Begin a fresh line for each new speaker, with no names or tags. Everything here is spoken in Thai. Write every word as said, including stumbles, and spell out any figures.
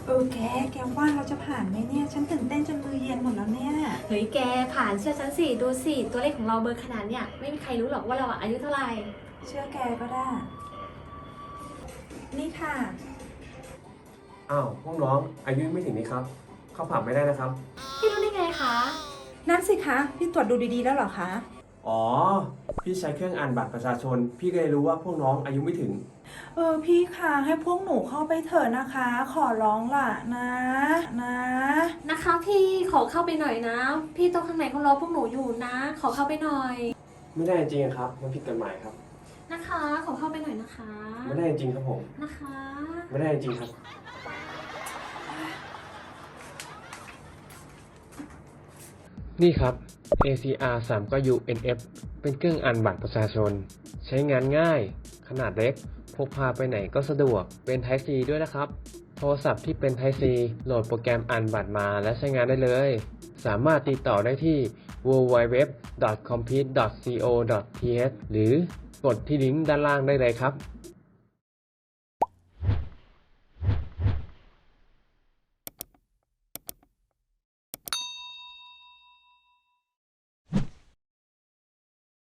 เออแกแกว่าเราจะผ่านไหมเนี่ยฉันตื่นเต้นจนมือเย็นหมดแล้วเนี่ย
เฮ้ยแกผ่านเชื่อฉันสิดูสิตัวเลขของเราเบอร์ขนาดเนี่ยไม่มีใครรู้หรอกว่าเราอะอายุเท่าไหร่
เชื่อแกก็ได้นี่ค่ะ
อ้าวพวกน้องอายุไม่ถึงนี้ครับ เข้าผับไม่ได้นะครับ
พี่รู้ได้ไงคะ
นั่นสิคะพี่ตรวจดูดีๆแล้วเหรอคะ
อ๋อ พี่ใช้เครื่องอ่านบัตรประชาชน พี่ก็เลยรู้ว่าพวกน้องอายุไม่ถึง
เออพี่คะให้พวกหนูเข้าไปเถอะนะคะ ขอร้องล่ะนะนะ
นะคะพี่ขอเข้าไปหน่อยนะ พี่โต๊ะข้างในเขารอพวกหนูอยู่นะ ขอเข้าไปหน่อย
ไม่ได้จริงๆครับมันผิดกฎหมายครับ
นะคะ ขอเข้าไปหน่อยนะคะ
ไม่ได้จริงครับผม
นะคะ
ไม่ได้จริงครับ นี่ครับ เอ ซี อาร์ สาม เก้า ยู เอ็น เอฟ เป็นเครื่องอ่านบัตรประชาชน ใช้งานง่าย ขนาดเล็ก พกพาไปไหนก็สะดวก เป็น Type C ด้วยนะครับ โทรศัพท์ที่เป็น Type C โหลดโปรแกรมอ่านบัตรมาและใช้งานได้เลย สามารถติดต่อได้ที่ ดับเบิลยู ดับเบิลยู ดับเบิลยู ดอท คอมพีท ดอท ซี โอ ดอท ที เอช หรือกดที่ลิงก์ด้านล่างได้เลยครับ